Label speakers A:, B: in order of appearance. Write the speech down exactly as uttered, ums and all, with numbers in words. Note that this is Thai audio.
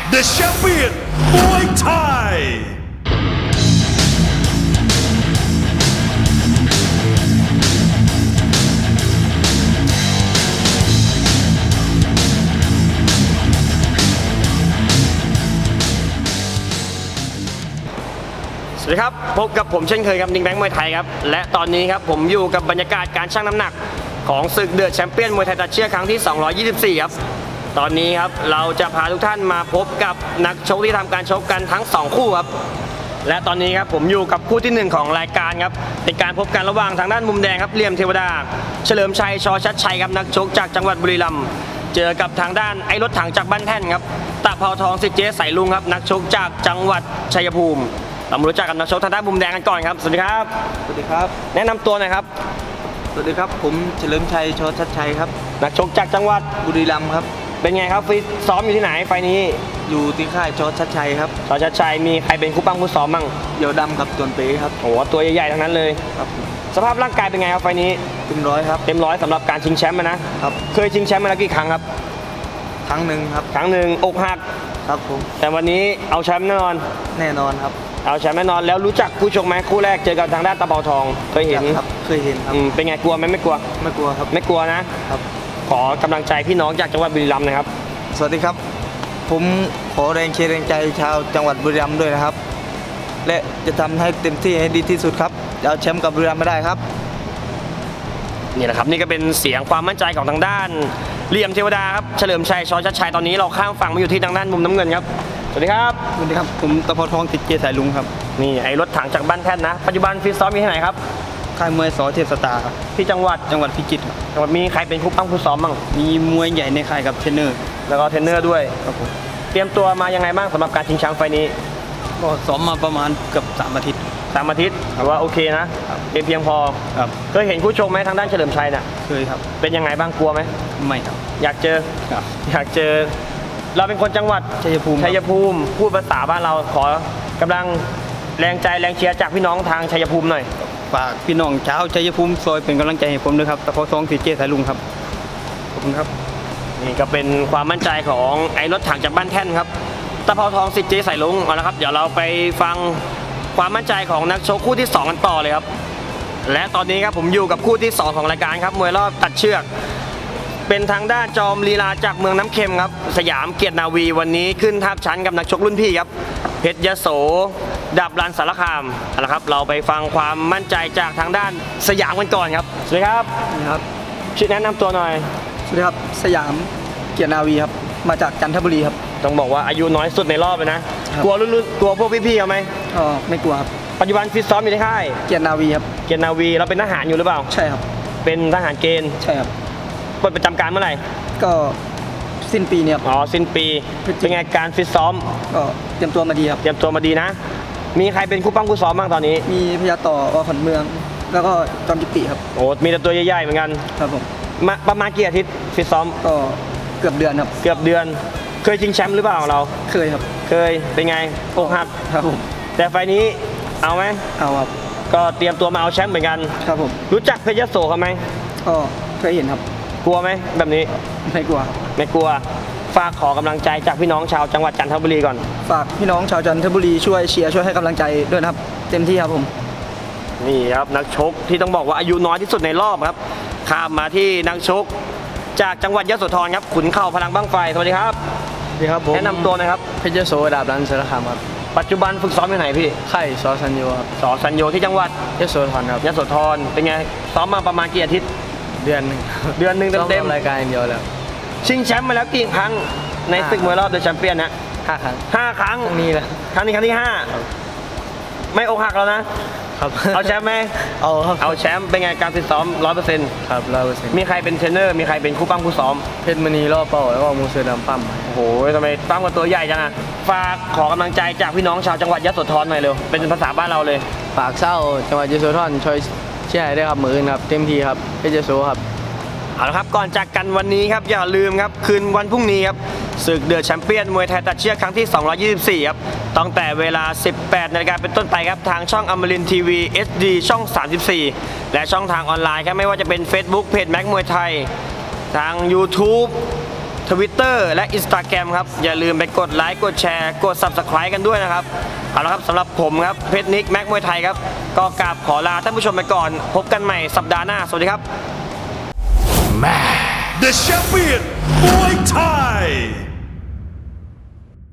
A: The Champion Muay Thai
B: สวัสดีครับพบกับผมเช่นเคยครับนิงแบงค์มวยไทยครับและตอนนี้ครับผมอยู่กับบรรยากาศการชั่งน้ำหนักของศึกเดอะแชมเปี้ยนมวยไทยตัดเชือกครั้งที่สองร้อยยี่สิบสี่ครับตอนนี้ครับเราจะพาทุกท่านมาพบกับนักชกที่ทำการชกกันทั้งสองคู่ครับและตอนนี้ครับผมอยู่กับคู่ที่หนึ่งของรายการครับเป็นการพบกันระหว่างทางด้านมุมแดงครับเหลี่ยมเทวดาเฉลิมชัยชอชัดชัยครับนักชกจากจังหวัดบุรีรัมย์เจอกับทางด้านไอ้รถถังจากบ้านแท่นครับตะเภาทองสิทธิ์เจ๊สายลุงครับนักชกจากจังหวัดชัยภูมิเรามารู้จักกับนักชกทางด้านมุมแดงกันก่อนครับสวัสดีครับ
C: สวัสดีครับ
B: แนะนำตัวหน่อยครับ
C: สวัสดีครับ ผมเฉลิมชัยชอชัดชัยครับ
B: นักชกจากจังหวัด
C: บุรีรัมย์ครับ
B: เป็นไงครับฟิตซ้อมอยู่ที่ไหนไฟนี้
C: อยู่ที่ค่ายชอชัดชัยครับ
B: ชอชัดชัยมีใครเป็นคู่ปั้งคู่ซ้อมมั่ง
C: เดี่ยวดำกับตวนเป๋ครับ
B: โอ้โหตัวใหญ่ๆทั้งนั้นเลย
C: ครับ
B: สภาพร่างกายเป็นไงครับไฟนี้
C: เต็มร้อยครับ
B: เต็มร้อยสำหรับการชิงแชมป์นะครับ เคยชิงแชมป์มาแล้วกี่ครั้งครับ
C: ครั้งหนึ่งครับ
B: ครั้งหนึ่งอกหัก
C: ครับผม
B: แต่วันนี้เอาแชมป์แน่นอน
C: แน่นอนครับ
B: เอาแชมป์แน่นอนแล้วรู้จักคู่ชกไหมคู่แรกเจอกับทางด้านตะเภาทองเคยเห็น
C: ครับ เคยเห็นครับ
B: อืมเป็นไงกลัวไหมไม่กลัว
C: ไม่กลัวครับ
B: ไม่กลัวนะครับ ขอกำลังใจพี่น้องจากจังหวัดบุรีรัมย์นะครับ
C: สวัสดีครับ ผมขอแรงเชียร์แรงใจชาวจังหวัดบุรีรัมย์ด้วยนะครับ และจะทำให้เต็มที่ให้ดีที่สุดครับจะเอาแชมป์กับบุรีรัมย์ไม่ได้ครับ
B: นี่แหละครับนี่ก็เป็นเสียงความมั่นใจของทางด้านเหลี่ยมเทวดาครับเฉลิมชัยชอชัดชัยตอนนี้เราข้ามฝั่งมาอยู่ที่ทางด้านมุมน้ำเงินครับสวัสดีครับ
C: สวัสดีครับ ผมตะเภาทองติดเจสายลุงครับ
B: นี่ไอ้รถถังจากบ้านแท่นนะปัจจุบันฟิตซ้อมอยู่ที่ไหนครับ
C: ค่ายมวยสอเทพสตาร์ครับ
B: ที่จังหวัด
C: จังหวัดพิจิตรครับ
B: จังหวัดมีใครเป็นคู่ปั้มคู่ซ้อมบ้าง
C: มีมวยใหญ่ในค่ายกับเทรนเนอร์
B: แล้วก็เทรนเนอร์ด้วย
C: ครับผม
B: เตรียมตัวมายังไงบ้างสำหรับการชิงแชมป์ไฟนี้
C: ก็ซ้อมมาประมาณเกือบสามอาทิตย์
B: สามอาทิตย์ถือว่าโอเคนะครับ เป็นเพียงพอ
C: ครับ
B: เคยเห็นคู่ชกไหมทางด้านเฉลิมชัยน่ะ
C: เคยครับ
B: เป็นยังไงบ้างกลัวไหม
C: ไม่ครับ
B: อยากเจอ
C: ครับ
B: อยากเจอ เราเป็นคนจังหวัด
C: ชัยภูมิครับ
B: ชัยภูมิพูดภาษาบ้านเราขอกำลังแรงใจแรงเชียร์จากพี่น้องทางชัยภูมิหน่อย
C: ฝากพี่น้องชาวชัยภูมิซอยเป็นกำลังใจให้ผมด้วยครับตะเภาทองสีเจสายลุงครับขอบคุณครับ
B: นี่ก็เป็นความมั่นใจของไอ้รถถังจากบ้านแท่นครับตะเภาทองสิทธิ์เจสายลุงเอาละครับเดี๋ยวเราไปฟังความมั่นใจของนักชกคู่ที่สองกันต่อเลยครับและตอนนี้ครับผมอยู่กับคู่ที่สองของรายการครับมวยรอบตัดเชือกเป็นทางด้านจอมลีลาจากเมืองน้ำเค็มครับสยามเกียรตินาวีวันนี้ขึ้นทับชั้นกับนักชกรุ่นพี่ครับเพชรยโสดับรันสารคามเอาละครับเราไปฟังความมั่นใจจากทางด้านสยามกันก่อนครับสวัสดีครับ
C: ครับ
B: ชื่อแนะนำตัวหน่อย
C: สวัสดีครับสยามเกียรตินาวีครับมาจากจันทบุรีครับ
B: ต้องบอกว่าอายุน้อยสุดในรอบเลยนะ
C: ครับ
B: กลัวรุ่นๆกลัวพวกพี่ๆเขาไหม
C: ก็ไม่กลัวครับ
B: ปัจจุบันฟิตซ้อมอยู่ที่ค่าย
C: เกียรตินาวีครับ
B: เกียรตินาวีเราเป็นทหารอยู่หรือเปล่า
C: ใช่ครับ
B: เป็นทหารเกณฑ์
C: ใช่ครับ
B: ปลดประจำการเมื่อไหร่
C: ก็สิ้นปีเนี่ยครับ
B: อ๋อสิ้นปี
C: พฤศจิ
B: เป็นไงการฟิตซ้อม
C: ก็เตรียมตัวมาดีครับ
B: เตรียมตัวมาดีนะ มีใครเป็นคู่ปั้มคู่ซ้อมบ้างตอนนี้
C: มีพยาต่ออขวัญเมือง แล้วก็จอมจิตติครับ
B: โอ้มีแต่ตัวใหญ่ๆเหมือนกัน
C: ครับผม
B: มาประมาณกี่อาทิตย์ฟิตซ้อม
C: ก็เกือบเดือนครับ
B: เกือบเดือน เคยชิงแชมป์หรือเปล่าเรา
C: เคยครับ
B: เคยเป็นไงอกหัก
C: ครับผม
B: แต่ไฟล์นี้เอาไหม
C: เอาครับ
B: ก็เตรียมตัวมาเอาแชมป์เหมือนกัน
C: ครับผม
B: รู้จักเพชรยโสเขาไหม
C: ก็เคยเห็นครับ
B: กลัวไหมแบบนี้
C: ไม่กลัวครับ
B: ไม่กลัวฝากขอกำลังใจจากพี่น้องชาวจังหวัดจันทบุรีก่อน
C: ฝากพี่น้องชาวจันทบุรีช่วยเชียร์ช่วยให้กำลังใจด้วยนะครับ เต็มที่ครับผม
B: นี่ครับนักชกที่ต้องบอกว่าอายุน้อยที่สุดในรอบครับข้ามมาที่นักชกจากจังหวัดยโสธรครับขุนเข่าพลังบ้างไฟสวัสดีครับ
C: สวัสดีครับผม
B: แนะนำตัวหนะครับ
C: เพชรโสดาบรันสารคามครับ
B: ปัจจุบันฝึกซ้อมอยู่ไหนพี่
C: ไข่ซอสัญโยครับ
B: สอสัญโยที่จังหวัด
C: ยโสธรครับ
B: ยโสธรเป็นไงซ้อมมาประมาณกี่อาทิตย์
C: เดือนหนึง
B: เดือนหนึ่งเต็ม
C: รายการอย่างเดียวแล้ว
B: ๆชิงแชมป์มาแล้วกี่ครั้งในศึกมวยรอบเดอะแชมเปี้ยนนะ
C: ห้าครั้ง
B: ห้าครั้ง
C: ครั้งนี้แหละ
B: ครั้งนี้ครั้งที่ห้าไม่อกหักแล้วนะ
C: ครับ
B: เอาแชมป์ไหม
C: เอาครับ
B: เอาแชมป์เป็นไงการฝึกซ้อมร้อยเปอร์เซ็นต์
C: ครับร้อยเปอร์เซ็นต์
B: มีใครเป็นเทรนเนอร์มีใครเป็นคู่ปั้มคู่ซ้อม
C: เพชรมณีล่อเป้าแล้วก็มูเสือดำปั้ม
B: โอ้โหทำไมปั้มกับตัวใหญ่จังอะฝากขอกำลังใจจากพี่น้องชาวจังหวัดยโสธรหน่อยเร็วเป็นภาษาบ้านเราเลย
C: ฝากเศร้าจังหวัดยโสธรช่วยเชียร์ให้ด้วยครับมืออื่นครับเต็มที่ครับเพชรโสครับ
B: เอาละครับก่อนจากกันวันนี้ครับอย่าลืมครับคืนวันพรุ่งนี้ครับศึกเดอะแชมเปี้ยนมวยไทยตัดเชือกครั้งที่สองร้อยยี่สิบสี่ครับตั้งแต่เวลา สิบแปดนาฬิกาเป็นต้นไปครับทางช่องอมรินทร์ทีวี เอช ดี ช่อง สามสิบสี่ และช่องทางออนไลน์ครับไม่ว่าจะเป็น Facebook เพจแม็กมวยไทยทาง YouTube Twitter และ Instagram ครับอย่าลืมไปกดไลค์กดแชร์กด Subscribe กันด้วยนะครับเอาละครับสำหรับผมครับเพชรนิกแม็กมวยไทยครับก็กราบขอลาท่านผู้ชมไปก่อนพบกันใหม่สัปดาห์หน้าสวัสดีครับ
A: The champion, Muay Thai.